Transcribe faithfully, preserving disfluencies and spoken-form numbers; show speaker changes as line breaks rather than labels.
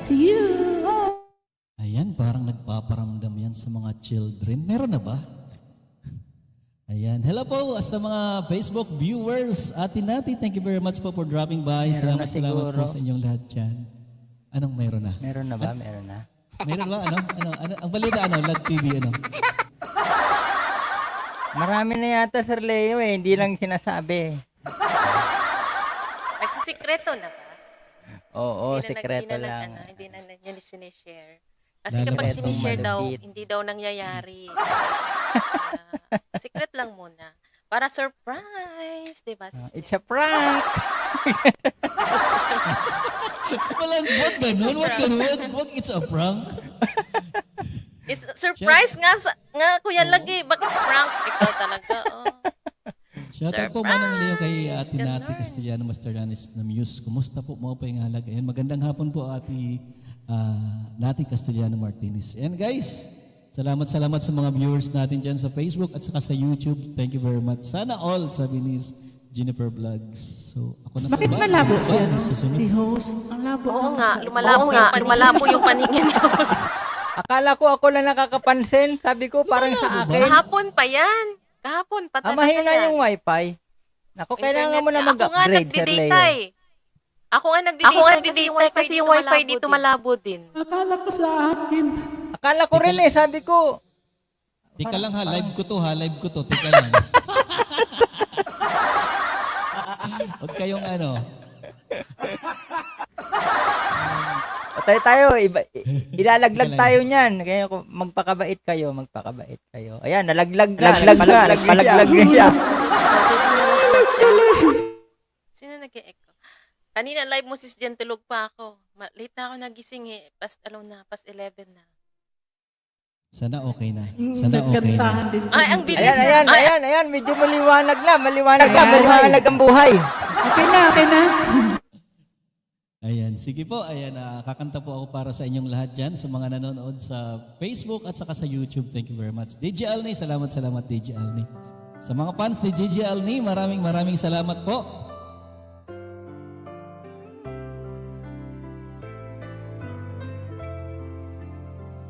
to you.
Ayan, parang nagpaparamdam yan sa mga children. Meron na ba? Ayan. Hello po sa mga Facebook viewers. Ate Nati, thank you very much po for dropping by.
Meron
Salamat,
na
salamat
siguro.
po sa inyong lahat dyan. Anong meron na?
Meron na ba? Meron na.
Meron ba? Ano? Ano? Ano? Ang balita, ano? Lag T V, ano?
Marami na yata, Sir Leo eh. Hindi lang sinasabi.
Nagsisikreto na ba?
Oo,
Hindi na nag-
sekreto
hindi na nag-
lang.
ano, hindi na nag- yun sinishare. Kasi
Lalo
kapag
itong
sinishare daw,
malupit.
hindi daw nangyayari. Kaya, secret lang muna. Para surprise, di ba?
Ah, It's a prank!
Walang, what ganun? What ganun? What, what, it's a prank?
It's surprise nga, sa, nga kuya lagi. Bakit prank? Ikaw talaga, oh.
Shout out po Manang Leo kay
Surprise!
Ate Nati
Ganun.
Castellano Masterlanes na Muse. Kumusta po mo pa yung halag? Ayan, magandang hapon po Ate ah, Nati Castellano Martinez. And guys, salamat salamat sa mga viewers natin dyan sa Facebook at saka sa YouTube. Thank you very much. Sana all, sabi ni Jennifer Vlogs. So, ako na
Bakit
po ba?
malabo
Ano
si,
ba?
ano,
Susunod?
si host? Ang labo.
Oo
ng-
nga, lumalabo, nga, lumalabo yung paningin ko.
Akala ko ako lang nakakapansin. Sabi ko parang sa akin.
Kahapon pa yan. Kahapon pa
Ah,
talaga
mahina
yan.
yung wifi. Naku, kailangan mo na
Internet- Ako nga
mag-upgrade, Sir
nagdi-data
Leo.
eh. Ako nga nagdi-data,
Ako nga
kasi yung wifi, kasi yung wifi dito malabo din.
Akala ko sa akin.
Akala ko rin eh, sabi ko.
Tika lang ha, live ko to ha, live ko to. Tika lang. Huwag kayong ano.
Patay tayo, iba, i- ilalaglag tayo niyan. Kaya kung magpakabait kayo, magpakabait kayo. Ayan, nalaglag na, nalaglag na, nagpalaglag na siya.
Sino nag-e-echo? Kanina live mo sis Jen, tulog pa ako. Ma- late na ako nagising eh. Past, alam na, past eleven na.
Sana okay na. Sana okay na.
Nagkantahan din.
Ay, ang bilis.
Ayan, ayan,
Ay,
ayan, ayan, medyo maliwanag na, maliwanag na,
Ayan.
maliwanag ang buhay.
Okay na, okay na.
Ayan, sige po. Ayan, ah, kakanta po ako para sa inyong lahat dyan, sa mga nanonood sa Facebook at saka sa YouTube. Thank you very much. D J Alni, salamat, salamat D J Alni. Sa mga fans ni D J Alni, maraming maraming salamat po.